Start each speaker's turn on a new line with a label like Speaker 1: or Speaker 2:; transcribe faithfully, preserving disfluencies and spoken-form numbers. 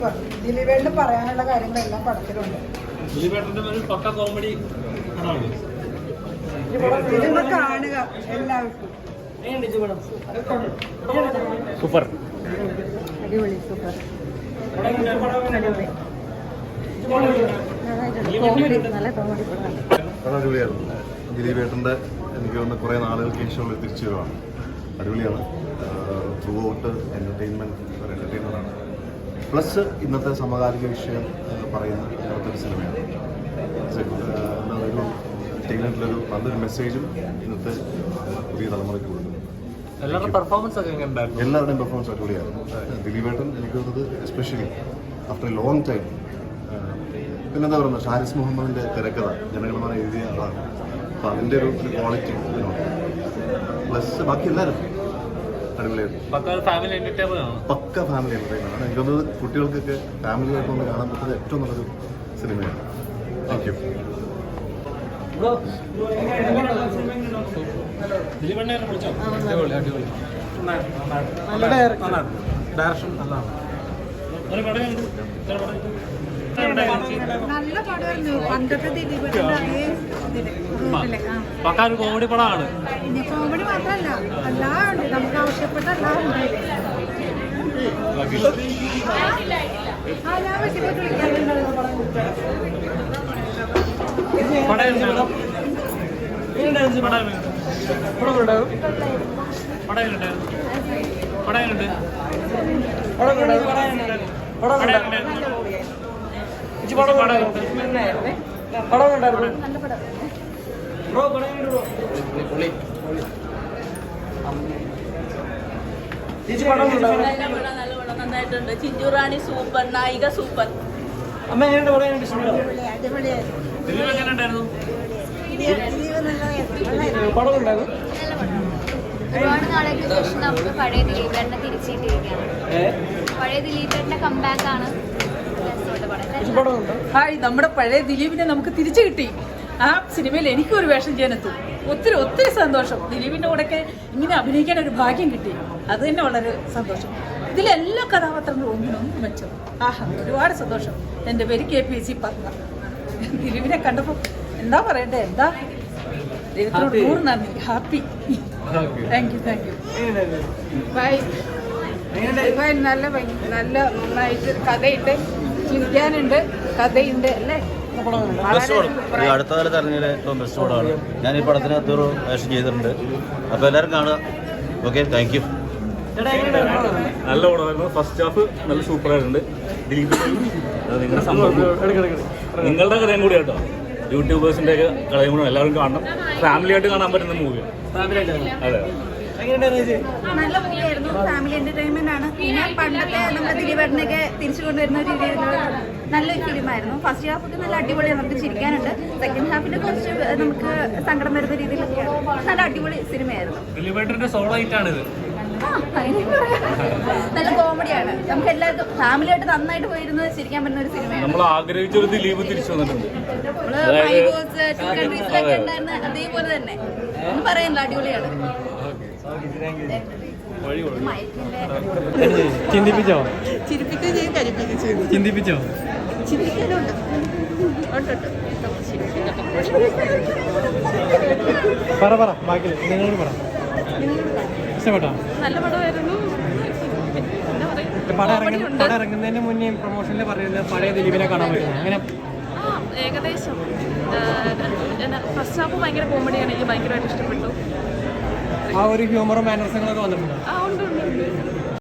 Speaker 1: ദിലീപേട്ടന് പറയാനുള്ള കാര്യങ്ങളെല്ലാം പടത്തിലുണ്ട്.
Speaker 2: ദിലീപേട്ടന്റെ ഒരു പക്ക കോമഡി
Speaker 1: സിനിമ കാണുക എല്ലാവർക്കും.
Speaker 2: സൂപ്പർ,
Speaker 1: അടിപൊളി, സൂപ്പർ, നല്ല കോമഡി പടമാണ്.
Speaker 3: അടിപൊളിയായിരുന്നു. ദിലീപേട്ടൻ്റെ എനിക്ക് തോന്നുന്ന കുറേ നാളുകൾക്ക് ശേഷമുള്ള തിരിച്ചു വരവാണ്. അടിപൊളിയാണ്. ത്രൂ ഔട്ട് എൻ്റർടൈൻമെൻറ്റ് ഒരു എൻ്റർടൈനറാണ്. പ്ലസ് ഇന്നത്തെ സമകാലിക വിഷയം പറയുന്ന ഒരു സിനിമയാണ്. എന്താ ഒരു എൻ്റർടൈൻമെൻറ്റിലൊരു നല്ലൊരു മെസ്സേജും ഇന്നത്തെ പുതിയ തലമുറയ്ക്ക് കൊടുക്കുന്നു.
Speaker 2: എല്ലാവരുടെയും പെർഫോമൻസ് ഒക്കെ ഉണ്ടായിരുന്നു.
Speaker 3: എല്ലാവരുടെയും പെർഫോമൻസ് അടിപൊളിയായിരുന്നു. ദിലീപേട്ടൻ എനിക്ക് തോന്നുന്നത് especially after a long time. പിന്നെന്താ പറയുന്നത്, ഷാരിസ് മുഹമ്മദിൻ്റെ തിരക്കഥ ജനഗണമന എഴുതിയ ആളാണ്. അപ്പോൾ അതിൻ്റെ ഒരു ക്വാളിറ്റി ഇതിനുണ്ട്. പ്ലസ് ബാക്കി എല്ലാവരും അടിപൊളിയായിരുന്നു. പക്ക ഫാമിലി എൻ്റർടൈനറാണ്. എനിക്ക് തോന്നുന്നത് കുട്ടികൾക്കൊക്കെ ഫാമിലിയായിട്ട് ഒന്ന് കാണാൻ പറ്റുന്നത് ഏറ്റവും നല്ലൊരു സിനിമയാണ്. Thank you.
Speaker 2: ഡയറക്ഷൻ നല്ലതാണ്.
Speaker 1: നല്ല പടമായിരുന്നു. പണ്ടത്തെ ദിലീപേട്ടൻ്റെ അതേ
Speaker 2: പക്ക ഒരു കോമഡി പടമാണ്.
Speaker 1: പിന്നെ കോമഡി മാത്രമല്ല, എല്ലാം ഉണ്ട്. നമുക്ക് ആവശ്യപ്പെട്ട എല്ലാം ഉണ്ട്. ആ, ഞാൻ വെച്ചിട്ട് വിളിക്കാറുണ്ടായിരുന്നു
Speaker 4: നന്നായിട്ടുണ്ട്. ചിഞ്ചുറാണി സൂപ്പർ, നായിക സൂപ്പർ.
Speaker 2: അമ്മ എങ്ങനെയുണ്ട്? പടം ഉണ്ടായിരുന്നു.
Speaker 5: ഒരുപാട് നാളേക്ക് ശേഷം നമുക്ക് പഴയ ദിലീപേട്ടനെ തിരിച്ചിട്ടിരിക്കുകയാണ്. പഴയ ദിലീപേട്ടന്റെ കംബാക്ക് ആണ്.
Speaker 4: ഹായ്, നമ്മുടെ പഴയ ദിലീപിനെ നമുക്ക് തിരിച്ചു കിട്ടി. ആ സിനിമയിൽ എനിക്കും ഒരു വേഷം ചെയ്യാനെത്തും. ഒത്തിരി ഒത്തിരി സന്തോഷം. ദിലീപിന്റെ കൂടെയൊക്കെ ഇങ്ങനെ അഭിനയിക്കാൻ ഒരു ഭാഗ്യം കിട്ടി. അത് തന്നെ വളരെ സന്തോഷം. ഇതിലെല്ലാ കഥാപാത്രങ്ങളും ഒന്നിനൊന്നും മെച്ചം. ആഹാ, ഒരുപാട് സന്തോഷം. എൻ്റെ പേര് കെ പി സി പത്മ. ദിലീപിനെ കണ്ടപ്പോൾ എന്താ പറയണ്ടേ, എന്താ ദൈവത്തിനോട് നൂറ് നന്ദി. Happy. Thank you, thank you.
Speaker 1: Bye. നല്ല നല്ല നന്നായിട്ട് കഥയുണ്ട്, ചിരിക്കാനുണ്ട്, കഥയുണ്ട് അല്ലേ.
Speaker 6: ഈ അടുത്ത കാലത്ത് ഇറങ്ങിയ ഏറ്റവും ബെസ്റ്റ് പടമാണ്. ഞാൻ ഈ പടത്തിനകത്ത് ഒരു വേഷം ചെയ്തിട്ടുണ്ട്. അപ്പോൾ എല്ലാവരും കാണുക. Okay, thank you.
Speaker 2: നല്ല പടമായിരുന്നു. ഫസ്റ്റ് ഹാഫ് നല്ല സൂപ്പറായിട്ടുണ്ട്. ദിലീപിന്റെ നിങ്ങളുടെ സംഭവം നിങ്ങളുടെ കഥയും കൂടി കേട്ടോ. യൂട്യൂബേഴ്സിന്റെ ഒക്കെ കഥയും കൂടെ എല്ലാവരും കാണണം. ഫാമിലി ആയിട്ട് കാണാൻ പറ്റുന്ന മൂവിയാണ്. അതെ,
Speaker 7: നല്ല മൂവിയായിരുന്നു. ഫാമിലി എന്റർടൈൻമെന്റ് ആണ്. പിന്നെ പണ്ടത്തെ നമ്മുടെ ദിലീപേട്ടനൊക്കെ തിരിച്ചു കൊണ്ടുവരുന്ന ഒരു രീതിയിലുള്ള നല്ലൊരു ഫിലിമായിരുന്നു. ഫസ്റ്റ് ഹാഫ് ഒക്കെ നല്ല അടിപൊളിയാണ്, നമുക്ക് ചിരിക്കാനുണ്ട്. സെക്കൻഡ് ഹാഫിന്റെ കുറച്ച് നമുക്ക് സങ്കടം വരുന്ന രീതിയിലൊക്കെയാണ്. നല്ല അടിപൊളി സിനിമയായിരുന്നു.
Speaker 2: ദിലീപേട്ടന്റെ സോളോ ഹിറ്റാണിത്.
Speaker 7: നല്ല കോമഡിയാണ്. നമുക്ക് എല്ലാവർക്കും ഫാമിലി ആയിട്ട് നന്നായിട്ട് പോയിരുന്ന് ചിരിക്കാൻ പറ്റുന്ന ഒരു സിനിമയാണ്.
Speaker 2: നമ്മൾ ആഗ്രഹിച്ചൊരു ദിലീപ് തിരിച്ചു വന്നിട്ടുണ്ട്.
Speaker 7: കൺട്രീസിലൊക്കെ ഉണ്ടായിരുന്ന അതേപോലെ തന്നെ ഒന്നും പറയാനില്ല, അടിപൊളിയാണ്.
Speaker 2: ചിന്തിപ്പിച്ചോ?
Speaker 7: ചിരിപ്പിക്കുകയും ചെയ്യും, കരിപ്പിക്കുകയും ചെയ്യും.
Speaker 2: ചിന്തിപ്പിച്ചോ?
Speaker 7: ചിന്തിക്കാനുണ്ട്.
Speaker 2: പറ പറ ബാക്കി നിങ്ങളോട് പറ. ഇഷ്ടപ്പെട്ടോ?
Speaker 4: നല്ല പടമായിരുന്നു.
Speaker 2: പടം ഇറങ്ങുന്നതിന് മുന്നേ പ്രൊമോഷനിൽ പറയുന്നത് പഴയ ദിലീപിനെ കാണാൻ പറ്റും. അങ്ങനെ
Speaker 4: ആ, ഏകദേശം ഫസ്റ്റ് ഹാഫ് ഭയങ്കര കോമഡിയാണ്. എനിക്ക് ഭയങ്കരമായിട്ട് ഇഷ്ടപ്പെട്ടു.
Speaker 2: ആ ഒരു ഹ്യൂമറും മാനർസങ്ങളൊക്കെ വന്നിട്ടുണ്ട്.
Speaker 4: ആ, ഉണ്ട് ഉണ്ട് ഉണ്ട്